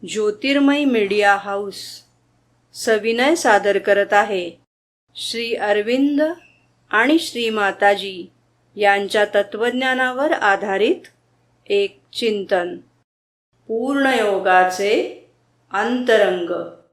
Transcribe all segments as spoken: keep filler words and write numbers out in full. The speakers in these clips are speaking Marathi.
ज्योतिर्मय मीडिया हाऊस सविनय सादर करत आहे श्री अरविंद आणि श्री माताजी यांच्या तत्वज्ञानावर आधारित एक चिंतन. पूर्णयोगाचे अंतरंग.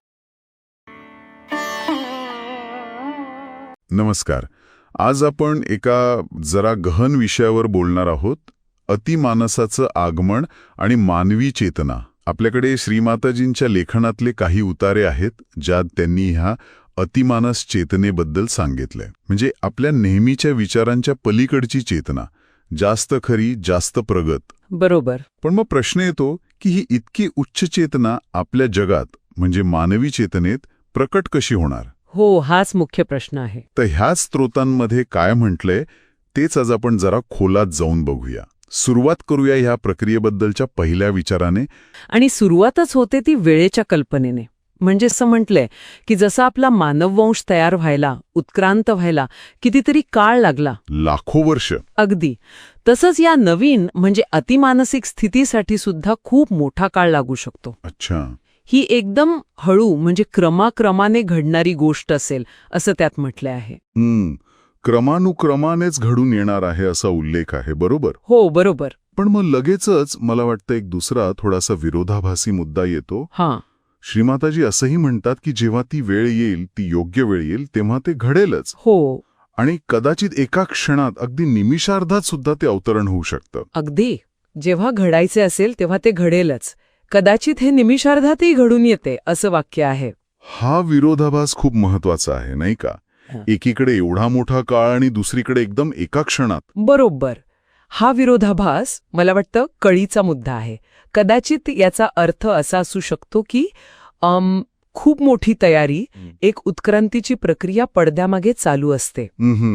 नमस्कार. आज आपण एका जरा गहन विषयावर बोलणार आहोत. अतिमानसाचं आगमन आणि मानवी चेतना. आपल्याकडे श्रीमाताजींच्या लेखनातले काही उतारे आहेत ज्यात त्यांनी ह्या अतिमानस चेतनेबद्दल सांगितलंय. म्हणजे आपल्या नेहमीच्या विचारांच्या पलीकडची चेतना, जास्त खरी, जास्त प्रगत. बरोबर. पण मग प्रश्न येतो की ही इतकी उच्च चेतना आपल्या जगात म्हणजे मानवी चेतनेत प्रकट कशी होणार? हो, हाच मुख्य प्रश्न आहे. तर ह्याच स्त्रोतांमध्ये काय म्हटलंय तेच आज आपण जरा खोलात जाऊन बघूया. सुरुवात करूया ह्या प्रक्रियेबद्दलच्या पहिल्या विचाराने. आणि सुरुवातच होते ती वेळेच्या कल्पनेने. म्हणजे असं म्हटलंय की जसा आपला मानववंश तयार व्हायला, उत्क्रांत व्हायला कितीतरी काळ लागला, लाखो वर्ष. अगदी तसंच या नवीन म्हणजे अतिमानसिक स्थितीसाठी सुद्धा खूप मोठा काळ लागू शकतो. अच्छा. ही एकदम हळू म्हणजे क्रमाक्रमाने घडणारी गोष्ट असेल असं त्यात म्हटलं आहे. हम्म क्रमानुक्रमानेच घडून येणार आहे असा उल्लेख आहे. बरोबर. हो, बरोबर. पण मग लगेचच मला वाटतं एक दुसरा थोडासा विरोधाभासी मुद्दा येतो. हां. श्रीमाताजी असंही म्हणतात की जेव्हा ती वेळ येईल, ती योग्य वेळ येईल, तेव्हा ते घडेलच. हो. आणि कदाचित एका क्षणात, अगदी निमिषार्धात सुद्धा ते अवतरण होऊ शकतं. अगदी. जेव्हा घडायचे असेल तेव्हा ते घडेलच. कदाचित हे निमिषार्धातही घडून येते असं वाक्य आहे. हा विरोधाभास खूप महत्वाचा आहे, नाही का? एकीकडे एवढा मोठा काळ आणि दुसरीकडे एकदम एका क्षणात. बरोबर. हा विरोधाभास मला वाटतं कळीचा मुद्दा आहे. कदाचित याचा अर्थ असा असू शकतो की अम, खूप मोठी तयारी, एक उत्क्रांतीची प्रक्रिया पडद्यामागे चालू असते.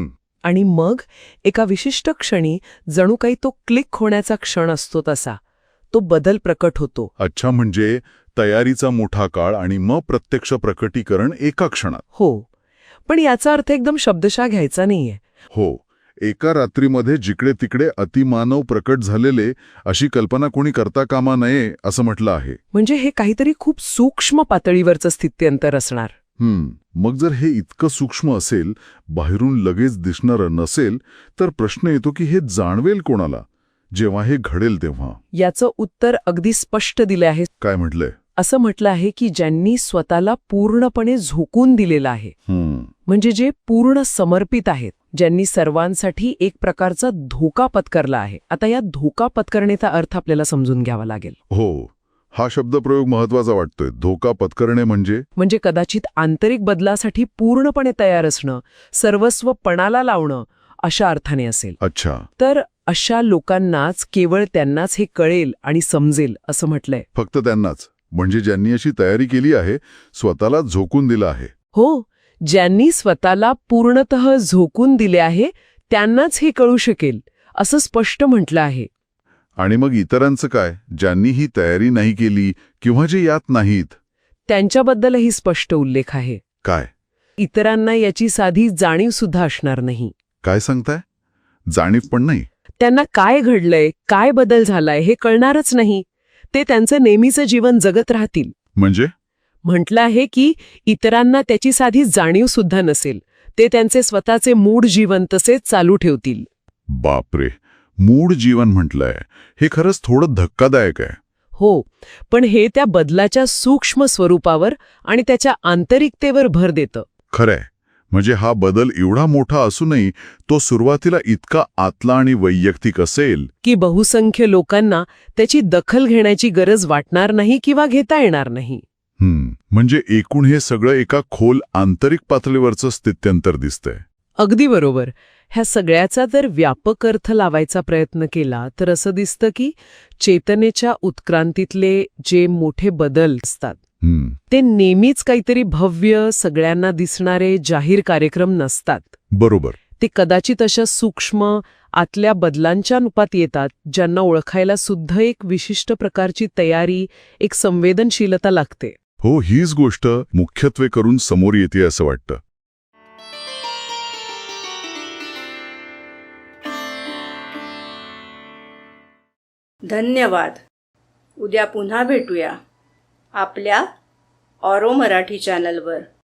आणि मग एका विशिष्ट क्षणी जणू काही तो क्लिक होण्याचा क्षण असतो, तसा तो बदल प्रकट होतो. अच्छा, म्हणजे तयारीचा मोठा काळ आणि मग प्रत्यक्ष प्रकटीकरण एका क्षणात. हो, पण याचा अर्थ एकदम शब्दशः घ्यायचा नाहीये. हो, एका रात्रीमध्ये जिकडे तिकडे अतिमानव प्रकट झालेले अशी कल्पना कोणी करता कामा नये असं म्हटलं आहे. म्हणजे हे काहीतरी खूप सूक्ष्म पातळीवरचं स्थित्यंतर असणार. हम्म मग जर हे इतकं सूक्ष्म असेल, बाहेरून लगेच दिसणारं नसेल, तर प्रश्न येतो की हे जाणवेल कोणाला जेव्हा हे घडेल तेव्हा? याचं उत्तर अगदी स्पष्ट दिलं आहे. काय म्हटलंय? असं म्हटलं आहे की ज्यांनी स्वतःला पूर्णपणे झोकून दिलेलं आहे, म्हणजे जे पूर्ण समर्पित आहेत, ज्यांनी सर्वांसाठी एक प्रकारचा धोका पत्करला आहे. आता या धोका पत्करण्याचा अर्थ आपल्याला समजून घ्यावा लागेल. हो, हा शब्दप्रयोग महत्वाचा वाटतोय. धोका पत्करणे म्हणजे म्हणजे कदाचित आंतरिक बदलासाठी पूर्णपणे तयार असणं, सर्वस्व पणाला लावणं अशा अर्थाने असेल. अच्छा. तर अशा लोकांनाच, केवळ त्यांनाच हे कळेल आणि समजेल असं म्हटलंय. फक्त त्यांनाच? म्हणजे ज्यांनी अशी तयारी केली आहे, स्वतःला झोकून दिलं आहे? हो, ज्यांनी स्वतःला पूर्णतः झोकून दिले आहे त्यांनाच हे कळू शकेल असं स्पष्ट म्हटलं आहे. आणि मग इतरांचं काय, ज्यांनी ही तयारी नाही केली किंवा जे यात नाहीत? त्यांच्याबद्दलही स्पष्ट उल्लेख आहे. काय? इतरांना याची साधी जाणीव सुद्धा असणार नाही. काय सांगताय? जाणीव पण नाही? त्यांना काय घडलंय, काय बदल झालाय हे कळणारच नाही. ते त्यांचं नेहमीचं जीवन जगत राहतील. म्हणजे? म्हटलं आहे की इतरांना त्याची साधी जाणीव सुद्धा नसेल. ते त्यांचे स्वतःचे मूळ जीवन तसेच चालू ठेवतील. बापरे, मूळ जीवन म्हटलंय. हे खरंच थोडं धक्कादायक आहे. हो, पण हे त्या बदलाच्या सूक्ष्म स्वरूपावर आणि त्याच्या आंतरिकतेवर भर देतं. खरंय. म्हणजे हा बदल एवढा मोठा असूनही तो सुरुवातीला इतका आतला आणि वैयक्तिक असेल की बहुसंख्य लोकांना त्याची दखल घेण्याची गरज वाटणार नाही किंवा घेता येणार नाही. हम्म म्हणजे एकूण हे सगळं एका खोल आंतरिक पातळीवरचं स्थित्यंतर दिसतंय. अगदी बरोबर. ह्या सगळ्याचा जर व्यापक अर्थ लावायचा प्रयत्न केला तर असं दिसतं की चेतनेच्या उत्क्रांतीतले जे मोठे बदल असतात ते नेहमीच काहीतरी भव्य, सगळ्यांना दिसणारे जाहीर कार्यक्रम नसतात. बरोबर. ते कदाचित अशा सूक्ष्म आतल्या बदलांच्या रूपात येतात, ज्यांना ओळखायला सुद्धा एक विशिष्ट प्रकारची तयारी, एक संवेदनशीलता लागते. हो, हीच गोष्ट मुख्यत्वे करून समोर येते असं वाटतं. धन्यवाद. उद्या पुन्हा भेटूया. आपल्या ऑरो मराठी चॅनलवर.